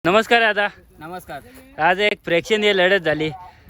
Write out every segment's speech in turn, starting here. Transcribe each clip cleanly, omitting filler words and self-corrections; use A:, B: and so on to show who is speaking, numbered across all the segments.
A: नमस्कार दादा.
B: नमस्कार.
A: आज एक प्रेक्षणीय लढत झाली.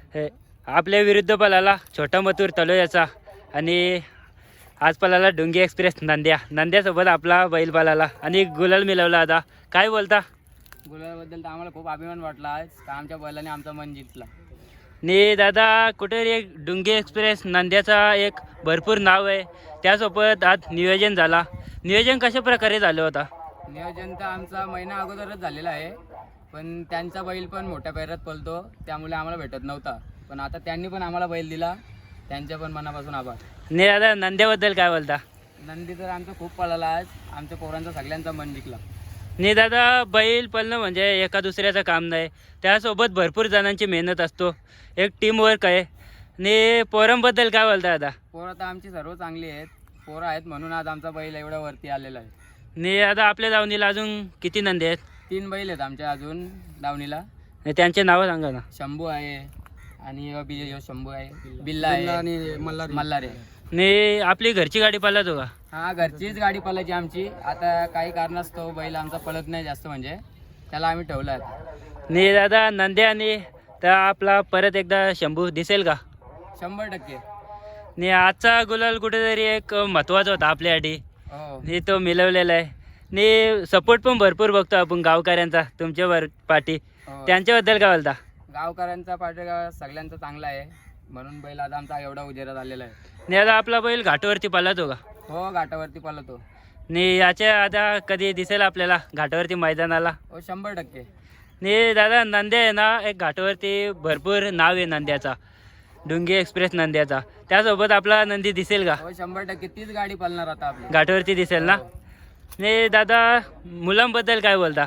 A: आपल्या विरुद्ध पळाला छोटा मथुर तलोयाचा आणि आज पळाला डुंगी एक्सप्रेस नंद्यासोबत आपला बैल पळाला आणि गुलाल मिळवला. आता काय बोलता?
B: गुलाबद्दल तर आम्हाला खूप अभिमान वाटला आज का आमच्या बैलाने आमचा मन जिंकला.
A: आणि दादा कुठेतरी एक डुंगी एक्सप्रेस नंद्याचा एक भरपूर नाव आहे, त्यासोबत आज नियोजन झाला. नियोजन कशा प्रकारे झालं होता?
B: नियोजन तर आमचा महिना अगोदरच झालेला आहे, पण त्यांचा बैल पण मोठ्या पैरात पळतो त्यामुळे आम्हाला भेटत नव्हता, पण आता त्यांनी पण आम्हाला बैल दिला, त्यांच्या पण मनापासून आभार.
A: नाही दादा, नंद्याबद्दल काय बोलता?
B: नंदी तर आमचा खूप पळाला आज, आमच्या पोरांचा सगळ्यांचा मन जिंकला.
A: नाही दादा, बैल पळणं म्हणजे एका दुसऱ्याचं काम नाही, त्यासोबत भरपूर जणांची मेहनत असतो, एक टीम वर्क आहे. आणि पोरांबद्दल काय बोलता दादा?
B: पोरं तर आमची सर्व चांगली आहेत, पोरं आहेत म्हणून आज आमचा बैल एवढ्या वरती आलेला आहे.
A: नाही दादा, आपल्या दावणीला अजून किती नंदी आहेत?
B: 3 बैल आहेत आमच्या अजून दावणीला.
A: आणि त्यांचे नावं सांगा ना.
B: शंभू आहे आणि शंभू आहे, बिल्ला आहे आणि मल्हार आहे.
A: नाही, आपली घरची गाडी पळत हो का?
B: हा, घरचीच गाडी पळायची आमची. आता काही कारणास्तव बैल आमचा पळत नाही जास्त, म्हणजे त्याला आम्ही ठेवला आहे.
A: नाही दादा, नंद्या आणि तर आपला परत एकदा शंभू दिसेल का?
B: 100%.
A: नाही, आजचा गुलाल कुठेतरी एक महत्त्वाचा होता आपल्यासाठी.
B: हो,
A: नाही, तो मिळवलेला आहे. नाही, सपोर्ट पण भरपूर बघतो आपण गावकऱ्यांचा तुमच्या पाठी,
B: हो.
A: त्यांच्याबद्दल काय बोलता?
B: गावकऱ्यांचा पाठगा सगळ्यांचा चांगला आहे म्हणून बैल आज आमचा एवढा उजेरात आलेला आहे.
A: नाही आता आपला बैल घाटावरती पळतो का?
B: हो, घाटावरती पळतो.
A: नाही, याच्या आता कधी दिसेल आपल्याला घाटावरती मैदानाला?
B: हो, 100%.
A: नाही दादा, नंद्या आहे ना, एक घाटावरती भरपूर नाव आहे नंद्याचा, डुंगी एक्सप्रेस नंद्याचा. त्यासोबत आपला नंदी दिसेल का?
B: हो, 100% तीच गाडी पळणार आता आपली.
A: घाटावरती दिसेल ना? नाही दादा, मुलांबद्दल काय बोलता?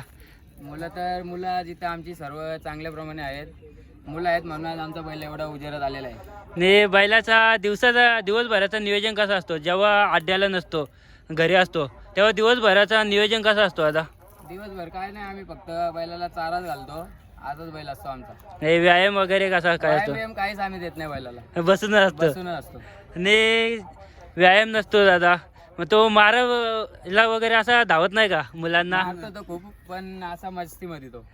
B: मुलं जिथं आमची सर्व चांगल्याप्रमाणे आहेत, मुलं आहेत म्हणून आज आमचा बैल एवढा उजेरात आलेला आहे.
A: नाही, बैलाचा दिवसभराचा नियोजन कसं असतो? जेव्हा अड्ड्याला नसतो, घरी असतो, तेव्हा दिवसभराचा नियोजन कसं असतो आता?
B: दिवसभर काय नाही, आम्ही फक्त बैलाला चाराच घालतो, आजच बैल असतो आमचा.
A: नाही, व्यायाम वगैरे कसा काय असतो?
B: व्यायाम काहीच आम्ही देत नाही बैलाला,
A: बसूनच असतो.
B: बसूनच असतो.
A: नाही, व्यायाम नसतो दादा, मग तो मारायला वगैरे असा धावत नाही का मुलांना?
B: मारतो तो खूप, पण असा मस्तीमध्ये तो.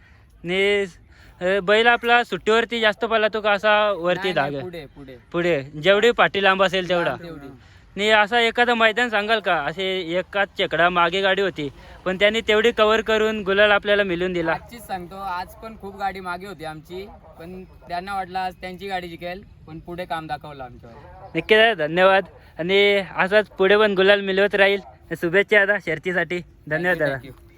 A: नाही, बैल आपला सुट्टीवरती जास्त पळतो का असा वरती
B: नाही,
A: धागे?
B: पुढे पुढे
A: पुढे जेवढी पाठी लांब असेल तेवढा?
B: तेवढी.
A: नाही, असा एखादं मैदान सांगाल का? असे एकाच चेकडा मागे गाडी होती, पण त्यांनी तेवढी कव्हर करून गुलाल आपल्याला मिळून दिला.
B: आजचीच सांगतो, आज पण खूप गाडी मागे होती आमची, पण त्यांना वाटलं आज त्यांची गाडी जिंकेल, पण पुढे काम दाखवलं आमच्यावर.
A: नक्की दादा, धन्यवाद. आणि असाच पुढे पण गुलाल मिळवत राहील. शुभेच्छा दादा शर्तीसाठी. धन्यवाद दादा.
B: Thank you.